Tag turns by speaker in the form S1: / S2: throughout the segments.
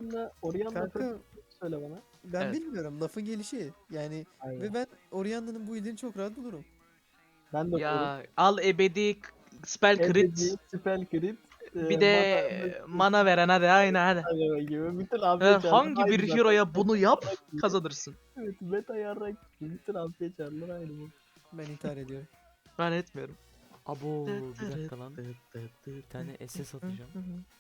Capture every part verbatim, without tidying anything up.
S1: Orianna, Orianna
S2: Kanka
S1: söyle bana.
S2: ben
S3: Evet.
S2: bilmiyorum lafın gelişi. Yani
S1: Aynen.
S2: ve ben Orianna'nın bu ilini çok rahat bulurum.
S1: Ben de bulurum.
S3: Ya al ebedi k- spell crit.
S1: Ebedi, spell crit.
S3: Bir
S1: e,
S3: de
S1: mana,
S3: mana veren hadi aynen hadi.
S1: Hadi gibi. Bütün
S3: Ha,
S1: afiyet çarlar
S3: hangi
S1: aynı
S3: bir
S1: zaten.
S3: hero'ya bunu yap
S1: Yarrak gibi.
S3: kazanırsın.
S1: Evet, meta yarrak gibi. Bütün afiyet çarlar aynı bu.
S2: Ben intihar ediyorum.
S3: Ben etmiyorum.
S4: Abo bir dakika lan. Bir tane S S atacağım.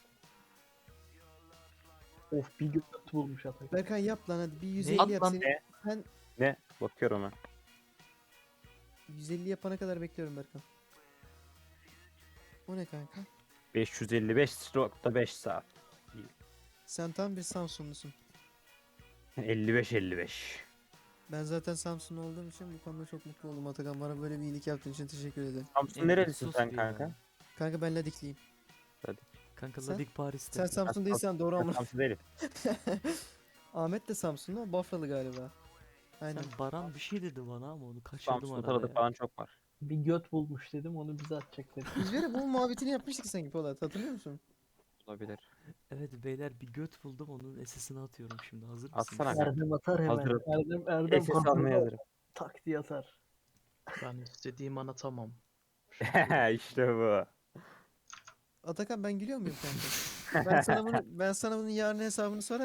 S1: Of bir göt bulmuş Atak.
S2: Berkan yap lan hadi bir yüz
S4: Ne?
S2: elli
S3: At
S2: yap
S3: lan.
S2: seni.
S5: Ne?
S2: Sen
S5: Ne? Bakıyorum ha.
S2: yüz elli yapana kadar bekliyorum Berkan. O ne kanka?
S5: beş yüz elli beş nokta beş saat.
S2: Sen tam bir Samsunlusun.
S5: elli beş elli beş.
S2: Ben zaten Samsunlu olduğum için bu konuda çok mutlu oldum Atakan. Bana böyle bir iyilik yaptığın için teşekkür ederim.
S5: Samsun
S4: Emre,
S5: nerelisin
S4: sus
S5: sen
S4: bir ya.
S5: kanka?
S2: Kanka ben Ladikliyim.
S4: Kanka
S2: Sen-
S4: Ladik Paris'te.
S2: Sen Samsun değilsen doğru
S5: Ben
S2: ama.
S5: Samsun değilim.
S2: Ahmet de Samsunlu, o Bafralı galiba. Aynen.
S4: Sen Baran bir şey dedi bana ama onu kaçırdım
S5: Samsun
S4: arada
S5: tanıdık
S4: ya.
S5: falan çok var.
S1: Bir göt bulmuş dedim onu bize atacak dedim.
S2: Biz böyle bunun muhabbetini yapmıştık sanki Polat, hatırlıyor musun?
S5: Olabilir.
S4: Evet beyler bir göt buldum onun S S'ini atıyorum şimdi hazır mısınız?
S5: Atsana kanka.
S1: Erdem atar hemen.
S5: Hazırım.
S1: Erdem Erdem
S5: S S almaya hazırım.
S1: tak diye atar.
S3: Ben istediğim anlatamam.
S5: İşte bu.
S2: Atakan ben gülüyor muyum kanka? Ben sana bunu ben sana bunun yarın hesabını sorarım.